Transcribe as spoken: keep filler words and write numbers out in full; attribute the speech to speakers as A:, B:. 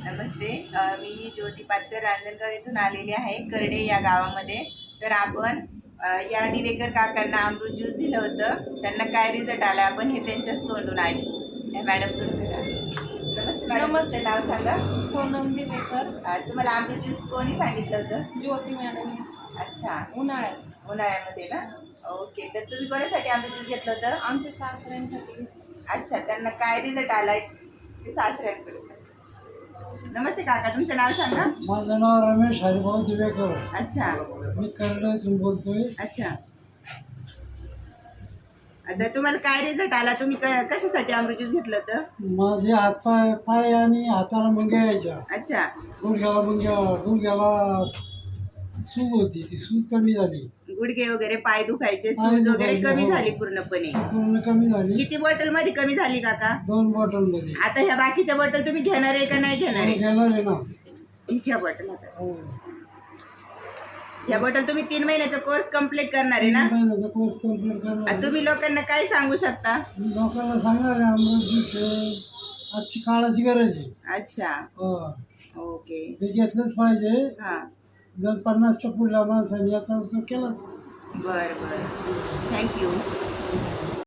A: नमस्ते. अ, मी ज्योती पात्र रांजणगाव येथून आलेली आहे करडे या गावामध्ये. तर आपण अ, या दिवेकर काकांना अमृत ज्यूस दिलं होतं. त्यांना काय रिझल्ट आला आपण हे त्यांच्याच तोंडून ऐकू. या मॅडम तुम्ही करा. नमस्ते मॅडम,
B: नमस्ते.
A: तुमचं नाव सांगा.
B: सोनम दिवेकर.
A: अ, तुम्हाला अमृत ज्यूस कोणी सांगितलं होतं?
B: ज्योती मॅडम.
A: अच्छा,
B: उन्हाळ्यात
A: उन्हाळ्यामध्ये ना. ओके, तर तुम्ही कोणासाठी अमृत ज्यूस घेतलं होतं?
B: आमच्या सासऱ्यांसाठी.
A: अच्छा, त्यांना काय रिझल्ट आलाय ते सासऱ्यांकडे. नमस्ते काका, तुमचं नाव सांगा.
C: माझं नाव रमेश हरिभाऊ दिवेकर.
A: अच्छा
C: मी कर्नाटकून बोलतोय.
A: अच्छा, आता तुम्हाला काय रिझल्ट आला? तुम्ही क- कशासाठी अमृत ज्यूस घेतलं होतं?
C: माझे हातपाय पाय आणि हाताला मुंग्या यायच्या.
A: अच्छा,
C: गुडघ्याला मुंग्या गुडघ्याला सूज होती, ती सूज कमी झाली,
A: गुडघे वगैरे पाय दुखायचे,
C: पाय
A: सूज वगैरे
C: दुखायचे,
A: कमी
C: हो.
A: झाली पूर्णपणे.
C: पूर्ण कमी झाली.
A: किती बॉटल मध्ये कमी झाली काका?
C: दोन बॉटल मध्ये.
A: आता ह्या बाकीच्या बॉटल तुम्ही घेणार आहे का नाही घेणार आहे?
C: घेणार आहे ना.
A: ह्या बॉटल आता
C: हो.
A: ह्या बॉटल तुम्ही तीन महिन्याचा कोर्स कम्प्लीट करणार आहे ना?
C: महिन्याचा कोर्स कम्प्लीट करणार
A: आता
C: आहे.
A: तुम्ही लोकांना काय सांगू शकता?
C: मी लोकांना सांगणार आहे अमृत ज्यूस हे आजची काळाची गरज आहे.
A: अच्छा,
C: हो.
A: ओके.
C: ते घेतलंच पाहिजे.
A: हा,
C: जर पन्नासच्या पुढल्या माणसाने याचा उपयोग केला
A: बर बर, थँक्यू.